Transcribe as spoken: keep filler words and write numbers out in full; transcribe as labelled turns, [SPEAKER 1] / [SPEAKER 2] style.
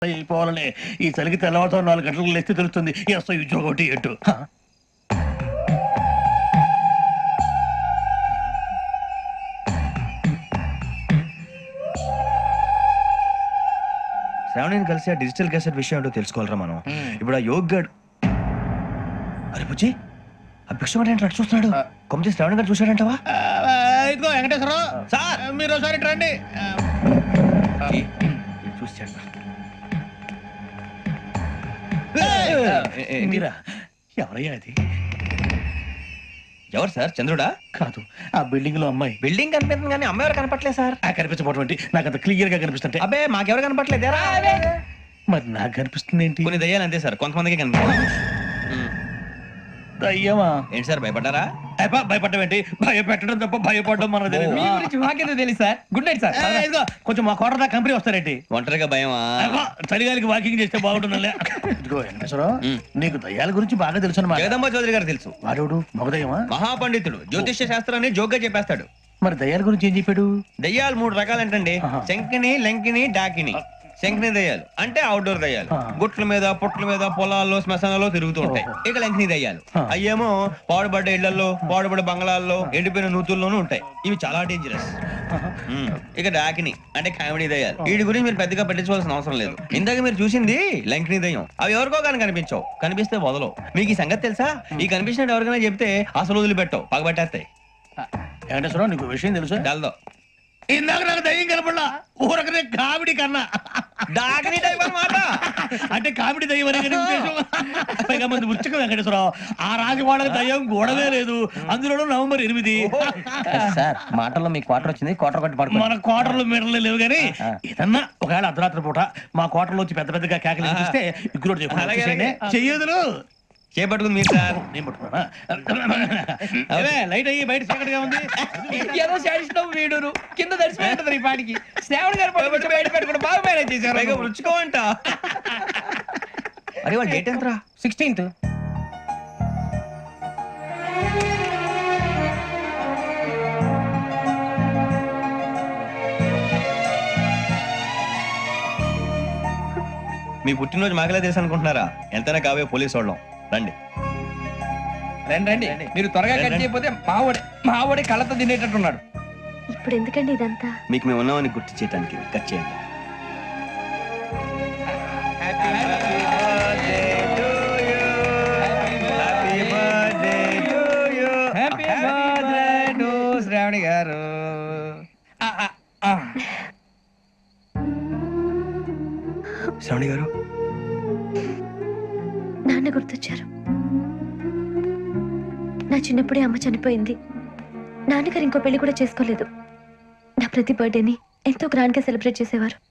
[SPEAKER 1] అయిపోవాలని ఈ చలికి తెల్లవారుతో నాలుగు గంటలకు లేస్తే తెలుస్తుంది ఎస్ఐ ఉద్యోగం ఒకటి ఎటు
[SPEAKER 2] శ్రావణిని కలిసి ఆ డిజిటల్ క్యాసెట్ విషయం ఏంటో తెలుసుకోవాలరా మనం. ఇప్పుడు ఆ యోగ్ గడ్ అరే బుజ్జి ఆ భిక్షం అంటే అటు చూస్తున్నాడు. కొమ్మచి శ్రావణి గారు చూశాడంటవా?
[SPEAKER 1] ఇదిగో వెంకటేశ్వరరావు సార్ మీరు ఒకసారి ఇటు రండి.
[SPEAKER 2] చూశాడు
[SPEAKER 1] మీరా ఎవరయ్యా అది?
[SPEAKER 2] ఎవరు సార్? చంద్రుడా?
[SPEAKER 1] కాదు, ఆ బిల్డింగ్ లో అమ్మాయి.
[SPEAKER 2] బిల్డింగ్ కనిపిస్తుంది కానీ అమ్మాయి ఎవరు కనపట్లేదు సార్.
[SPEAKER 1] ఆ కనిపించబోటువంటి నాకు అంత క్లియర్ గా కనిపిస్తుంటే.
[SPEAKER 2] అబ్బే మాకెవరు కనపట్లేదు.
[SPEAKER 1] మరి నాకు కనిపిస్తుంది ఏంటి?
[SPEAKER 2] కొన్ని దయ్యాలు అంతే సార్, కొంతమందికి కనిపిస్తుంది.
[SPEAKER 1] అయ్యమా
[SPEAKER 2] ఏంటి సార్ భయపడ్డారా?
[SPEAKER 1] భయపడడం ఏంటి? భయపెట్టడం తప్ప భయపడడం మనకు తెలియదు.
[SPEAKER 2] మీ గురించి మాకేదో తెలియదు సార్. Good night sir.
[SPEAKER 1] ఇదిగో కొంచెం మా కోట దాకా కంపెనీ వస్తారేంటి?
[SPEAKER 2] ఒంటరిగా భయమా?
[SPEAKER 1] చలిగాలికి వాకింగ్ చేస్తే బాగుంటుందిలే. ఇదిగో వెంకటేశ్వరరావు నీకు దయ్యాల గురించి బాగా తెలుసు అన్నమాట.
[SPEAKER 2] జగదంబ చౌదరి గారు తెలుసు.
[SPEAKER 1] వాడు మగదయ్యమా?
[SPEAKER 2] మహాపండితుడు, జ్యోతిష్య శాస్త్రాన్ని జోగ్గా చెప్పేస్తాడు.
[SPEAKER 1] మరి దయ్యాల గురించి ఏం చెప్పాడు?
[SPEAKER 2] దయ్యాలు మూడు రకాలంటండి. శంకిని, లంకిని, డాకిని. శంకిని దయ్యాలు అంటే అవుట్డోర్ దయ్యాలు, గుట్ల మీద పుట్ల మీద పొలాల్లో శ్మశానాల్లో తిరుగుతూ ఉంటాయి. ఇక లంకిని దయ్యాలు అయ్యేమో పాడుబడ్డ ఇళ్లలో పాడుబడ్డ బంగ్లాల్లో ఎండిపోయిన నూతుల్లోనూ ఉంటాయి. ఇవి చాలా డేంజరస్. ఇక డాకిని అంటే కామెడీ దయ్యాలు. వీటి గురించి మీరు పెద్దగా పట్టించుకోవాల్సిన అవసరం లేదు. ఇందాక మీరు చూసింది లంకిని దయ్యం. అవి ఎవరికో కానీ కనిపించవు, కనిపిస్తే వదలవు. మీకు ఈ సంగతి తెలుసా? ఈ కనిపించినట్టు ఎవరికైనా చెప్తే అసలు వదిలిపెట్టవు, పగబట్టేస్తాయి.
[SPEAKER 1] వెంకటేశ్వరరావు నీకు విషయం తెలుసా?
[SPEAKER 2] డల్దో
[SPEAKER 1] ఇందాక నాకు దయ్యం కనపడలా, ఊరకనే కామెడీ కన్నా
[SPEAKER 2] డాకిని టైప్ అన్నమాట.
[SPEAKER 1] అంటే కామెడీ దయ్యం అనే ఉద్దేశం. పైగా మంది ఉచ్చక వెంకటేశ్వరరావు ఆ రాజు వాళ్ళకి దయ్యం గోడవే లేదు, అందులోనూ నవంబర్ ఎనిమిది.
[SPEAKER 3] సార్ మాటల్లో మీ క్వార్టర్ వచ్చింది, క్వార్టర్ కొట్టి పడుకో.
[SPEAKER 1] మన క్వార్టర్లు మీటర్లు లేవు కానీ ఏదన్నా ఒకవేళ అర్ధరాత్రి పూట మా క్వార్టర్లో వచ్చి పెద్ద పెద్దగా కేకలు ఇస్తే ఇగ్గురు చెయ్యదులు
[SPEAKER 2] చేపట్టుకుంది మీరు సార్.
[SPEAKER 1] నేను పట్టుకున్నా లైట్ అయ్యి బయట చీకటిగా ఉంది.
[SPEAKER 3] ఏదో శాడిస్తాం వీడును కింద దర్శనం ఈ పాటికి శ్రావణ్ గారు పట్టుబట్టి బయట పెట్టుకుంటే బాగా మేనేజ్ చేశారు.
[SPEAKER 2] రుచుకోవంట. అరే వాళ్ళ డేట్ ఎంతరా?
[SPEAKER 3] సిక్స్టీన్త్.
[SPEAKER 2] మీ పుట్టినరోజు మాకలే తెలుసు అనుకుంటున్నారా? ఎంతైనా కావే పోలీసు వాళ్ళం. రండి
[SPEAKER 3] రండి రండి. మీరు త్వరగా కట్ చేయకపోతే మావడే మావడే కళ్ళతో తినేటట్టున్నాడు.
[SPEAKER 4] ఇప్పుడు ఎందుకండి ఇదంతా?
[SPEAKER 2] మీకు మేము ఉన్నామని గుర్తు చేయడానికి కట్ చేయండి.
[SPEAKER 3] హ్యాపీ బర్త్డే టు శ్రావణి గారు.
[SPEAKER 2] శ్రావణి గారు
[SPEAKER 4] నాన్న గుర్తొచ్చారు. నా చిన్నప్పుడే అమ్మ చనిపోయింది. నాన్నగారు ఇంకో పెళ్లి కూడా చేసుకోలేదు. నా ప్రతి బర్త్డేని ఎంతో గ్రాండ్ గా సెలబ్రేట్ చేసేవారు.